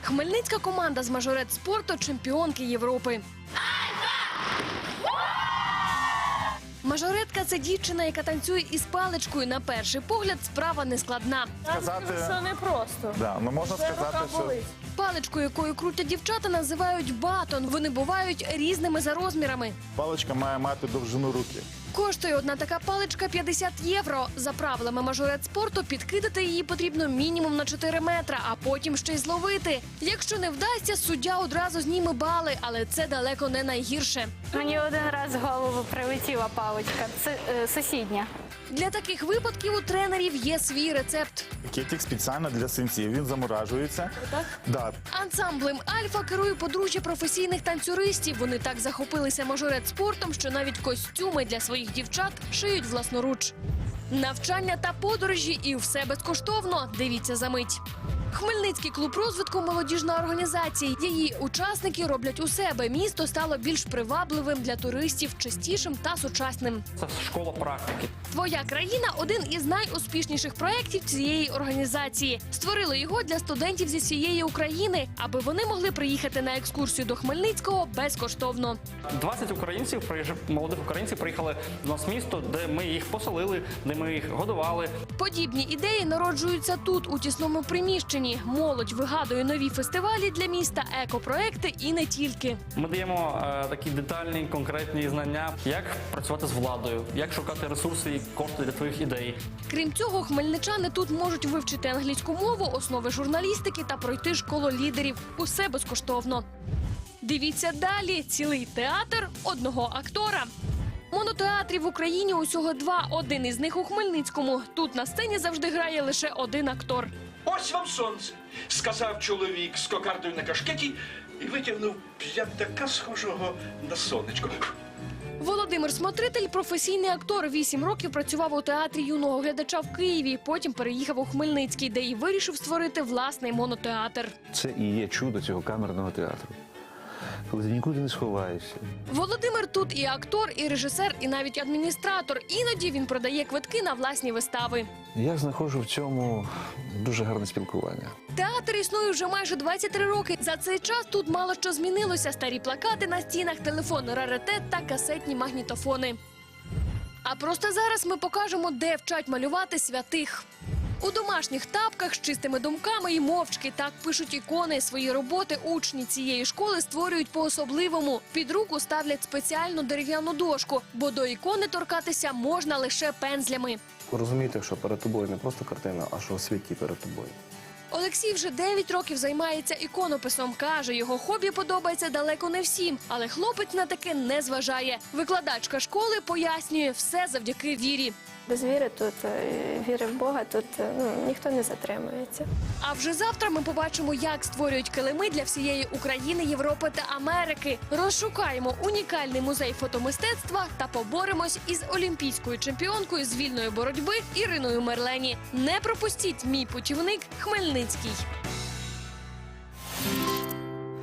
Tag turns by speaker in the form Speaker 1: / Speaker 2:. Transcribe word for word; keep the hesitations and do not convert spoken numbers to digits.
Speaker 1: Хмельницька команда з мажорет спорту – чемпіонки Європи. Мажоретка – це дівчина, яка танцює із паличкою. На перший погляд справа не складна.
Speaker 2: Сказати...
Speaker 3: Це не просто.
Speaker 2: Да, ну можна сказати, що...
Speaker 1: Паличку, якою крутять дівчата, називають батон. Вони бувають різними за розмірами.
Speaker 2: Паличка має мати довжину руки.
Speaker 1: Коштує одна така паличка п'ятдесят євро. За правилами мажорет спорту підкидати її потрібно мінімум на чотири метри, а потім ще й зловити. Якщо не вдасться, суддя одразу зніме бали, але це далеко не найгірше.
Speaker 3: Мені один раз в голову прилетіла паличка. Це е, сусідня.
Speaker 1: Для таких випадків у тренерів є свій рецепт.
Speaker 2: Кетик спеціально для синців. Він заморажується.
Speaker 1: Так?
Speaker 2: Да.
Speaker 1: Ансамблем «Альфа» керує подружжя професійних танцюристів. Вони так захопилися мажорет спортом, що навіть костюми для своїх дівчат шиють власноруч. Навчання та подорожі – і все безкоштовно. Дивіться за мить. Хмельницький клуб розвитку – молодіжна організація. Її учасники роблять у себе. Місто стало більш привабливим для туристів, чистішим та сучасним.
Speaker 4: Це школа практики.
Speaker 1: «Твоя країна» – один із найуспішніших проєктів цієї організації. Створили його для студентів зі всієї України, аби вони могли приїхати на екскурсію до Хмельницького безкоштовно.
Speaker 4: двадцять українців, молодих українців приїхали до нас в місто, де ми їх поселили, де ми їх годували.
Speaker 1: Подібні ідеї народжуються тут, у тісному приміщенні. Молодь вигадує нові фестивалі для міста, екопроекти і не тільки.
Speaker 4: Ми даємо е, такі детальні, конкретні знання, як працювати з владою, як шукати ресурси і кошти для твоїх ідей.
Speaker 1: Крім цього, хмельничани тут можуть вивчити англійську мову, основи журналістики та пройти школу лідерів. Усе безкоштовно. Дивіться далі. Цілий театр одного актора. Монотеатрів в Україні усього два. Один із них у Хмельницькому. Тут на сцені завжди грає лише один актор.
Speaker 5: «Ось вам сонце», – сказав чоловік з кокардою на кашкеті і витягнув п'ятака, схожого на сонечко.
Speaker 1: Володимир Смотритель – професійний актор. Вісім років працював у театрі юного глядача в Києві. Потім переїхав у Хмельницький, де й вирішив створити власний монотеатр.
Speaker 6: Це і є чудо цього камерного театру. Коли ти нікуди не сховаєшся.
Speaker 1: Володимир тут і актор, і режисер, і навіть адміністратор. Іноді він продає квитки на власні вистави.
Speaker 6: Я знаходжу в цьому дуже гарне спілкування.
Speaker 1: Театр існує вже майже двадцять три роки. За цей час тут мало що змінилося. Старі плакати на стінах, телефонний раритет та касетні магнітофони. А просто зараз ми покажемо, де вчать малювати святих. У домашніх тапках з чистими думками і мовчки. Так пишуть ікони. Свої роботи учні цієї школи створюють по-особливому. Під руку ставлять спеціальну дерев'яну дошку, бо до ікони торкатися можна лише пензлями.
Speaker 7: Розумієте, що перед тобою не просто картина, а що святі перед тобою.
Speaker 1: Олексій вже дев'ять років займається іконописом. Каже, його хобі подобається далеко не всім. Але хлопець на таке не зважає. Викладачка школи пояснює, все завдяки вірі.
Speaker 8: Без віри тут, віри в Бога, тут ну, ніхто не затримується.
Speaker 1: А вже завтра ми побачимо, як створюють килими для всієї України, Європи та Америки. Розшукаємо унікальний музей фотомистецтва та поборемось із олімпійською чемпіонкою з вільної боротьби Іриною Мерлені. Не пропустіть «Мій путівник Хмельницький».